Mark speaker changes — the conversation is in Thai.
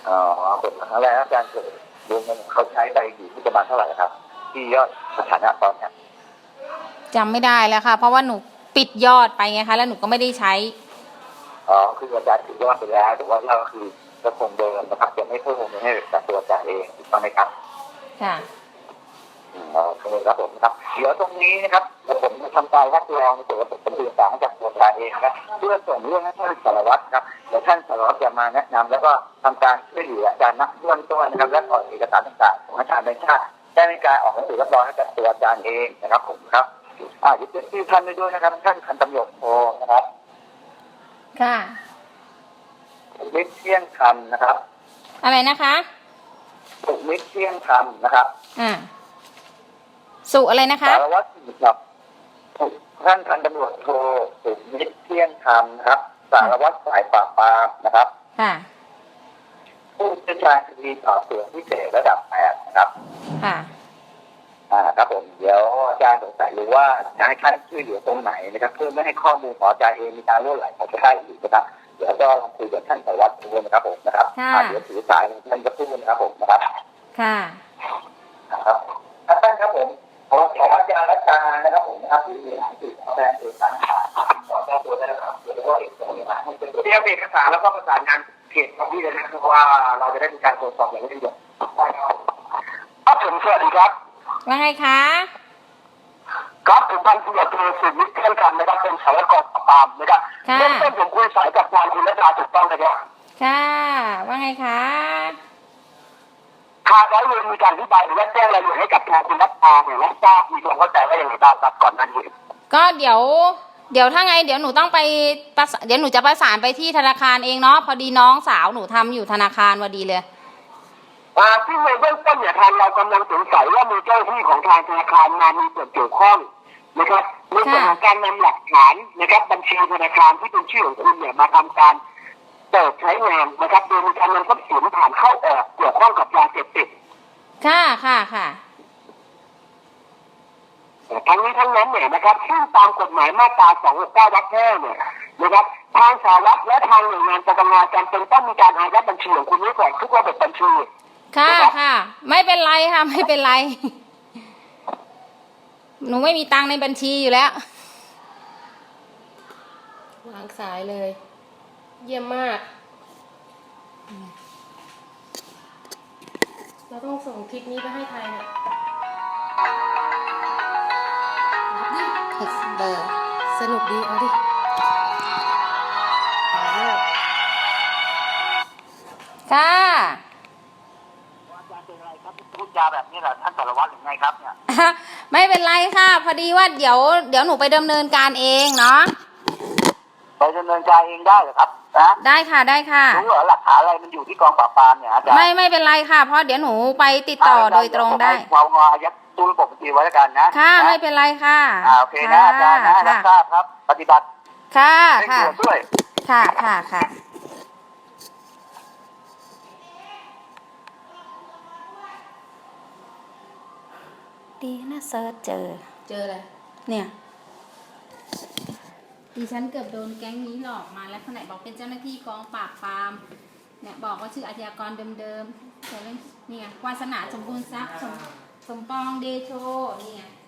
Speaker 1: อ๋อเป็นครั้งแรกอาจารย์เกิดรวมเงินเขาใช้ไปอยู่ที่ประมาณเท่าไหร่ครับที่ยอดสถานะตอนเนี้ย
Speaker 2: จำไม่ได้แล้วค่ะเพราะว่าหนูปิดยอดไปไงคะแล้วหนูก็ไม่ได้ใช้
Speaker 1: อ๋อคืออาจารย์ถือยอดไปแล้วแต่ว่ายอดก็คือจะคงเดิมนะครับจะไม่เพิ่มเงินให้กับตัวอาจารย์เองถูกต้องไหมครับ
Speaker 2: ค่ะ
Speaker 1: โอเคครับผมครับเดี๋ยวตรงนี้นะครับเดี๋ยวผมจะทำการรับรองในส่วนของผมสื่อสารจากตัวอาจารย์เองนะครับเพื่อส่งเรื่องให้ท่านสารวัตรครับเดี๋ยวท่านสารวัตรจะมาแนะนำแล้วก็ทำการช่วยเหลืออาจารย์ณเบื้องต้นนะครับและออกเอกสารต่างๆของอาจารย์ในชาติได้ในการออกหนังสือรับรองให้กับตัวอาจารย์เองนะครับผมครับเดี๋ยวชื่อท่านด้วยนะครับท่านพันตำรวจโทนะครับ
Speaker 2: ค่ะ
Speaker 1: สุมิตรเที่ยงคำนะครับ
Speaker 2: อะไรนะคะ
Speaker 1: สุมิตรเที่ยงคำนะครับ
Speaker 2: สุอะไรนะคะ
Speaker 1: สารวัตรครับท่านพันตำรวจโทสุมิตรเที่ยงคำนะครับสารวัตรฝ่ายปราบปรามนะครับ
Speaker 2: ค่ะ
Speaker 1: ผู้เชี่ยวชาญคดีสอบสวนพิเศษระดับ8นะครับ
Speaker 2: ค่ะ
Speaker 1: ครับผมเดี๋ยวอาจารย์สงสัยหรือว่าจะให้ท่านช่วยเหลือตรงไหนนะครับเพื่อไม่ให้ข้อมูลของอาจารย์เองมีการล่วไหลของชาวบ้านอีกนะครับเดี๋ยวก็ลองคุยกับท่านสารวัตรดูนะครับผมนะครับเดี๋ยวถือสายท่านจะพูดนะครับผมนะครับ
Speaker 2: ค่ะ
Speaker 1: ครับท่านครับผมขออาจารย์รัชานะครับผมนะครับที่มีหนังสือแสดงเอกสารขอแจ้งตัวได้นะครับเดี๋ยวก็เอกสารให้เป็นเตรียมเอกสารแล้วก็ประสานงานเขตของพี่เลยนะครับว่าเราจะได้มีการตรวจสอบอย่างละเอียดครับผมสวัสดีครับ
Speaker 2: ว่าไงคะ
Speaker 1: ครับผมพันตำรวจโทสุมิตรเที่ยงคำนะครับเป็นสารวัตรกองปราบปรามนะครับเริ่มต้นผมคุยสายกับทางคุณรัชาถูกต้องนะครับ
Speaker 2: ค่ะว่าไงคะ
Speaker 1: ทางร้อยเวรมีการอธิบายหรือว่าแจ้งรายละเอียดให้กับทางคุณรัชาเนี่ยรับทราบมีความเข้าใจว่าอย่างไรบ้างครับก่อนหน้านี้
Speaker 2: ก็เดี๋ยวถ้าไงเดี๋ยวหนูต้องไปเดี๋ยวหนูจะประสานไปที่ธนาคารเองเนาะพอดีน้องสาวหนูทำอยู่ธนาคารพอดีเลย
Speaker 1: ซึ่งในเบื้องต้นเนี่ยทางเรากำลังสงสัยว่ามีเจ้าหน้าที่ของทางธนาคารมามีส่วนเกี่ยวข้องนะครับในส่วนของการนำหลักฐานนะครับบัญชีธนาคารที่เป็นชื่อของคุณเนี่ยมาทำการเปิดใช้งานนะครับโดยมีการนำทรัพย์สินผ่านเข้าออกเกี่ยวข้องกับยาเสพติด
Speaker 2: ค่ะ
Speaker 1: ทั้งนี้ทั้งนั้นเนี่ยนะครับซึ่งตามกฎหมายมาตรา269 วรรค 5เนี่ยนะครับทางสารัฐและทางหน่วยงานปปงจำเป็นต้องมีการอายัดบัญชีของคุณไว้ก่อนทุกระบบบัญชี
Speaker 2: ค่ะไม่เป็นไรค่ะไม่เป็นไรหนูไม่มีตังค์ในบัญชีอยู่แล้ว
Speaker 3: วางสายเลยเยี่ยมมากเราต้องส่งคลิปนี้ไปให้ใครเนี่ย
Speaker 2: เบอร์
Speaker 3: สนุกดีเอาดิ
Speaker 2: ค่ะ
Speaker 1: พูดจาแบบนี้แหละท่านสารวัตรหรือไงครับเนี่ย
Speaker 2: ไม่เป็นไรค่ะพอดีว่าเดี๋ยวหนูไปดำเนินการเองเนาะ
Speaker 1: ไปดำเนินการเองได้เหรอครับนะ
Speaker 2: ได้ค่ะ
Speaker 1: รู้เหรอหลักฐานอะไรมันอยู่ที่กองปราบปรามเนี่ยอาจารย์
Speaker 2: ไม่เป็นไรค่ะเพราะเดี๋ยวหนูไปติดต่อโดยตรงได้
Speaker 1: เราอายัดตู้ระบบบัญชีไว้แล้วกันนะ
Speaker 2: ค่ะไม่เป็นไรค่ะ
Speaker 1: โอเคนะอาจารย์นะรับทราบครับปฏิบัติ
Speaker 2: ค่ะ
Speaker 1: ด้วย
Speaker 2: ค่ะดีนะเซิร์ชเจอ
Speaker 3: อะไร
Speaker 2: เนี่ยดิฉันเกือบโดนแก๊งนี้หลอกมาแล้วคนไหนบอกเป็นเจ้าหน้าที่กองปราบปรามเนี่ยบอกว่าชื่ออาชญากรเดิมๆแต่เรื่องนี่ไงวาสนาสมบูรณ์ทรัพย์สมปองเดโชนี่ไง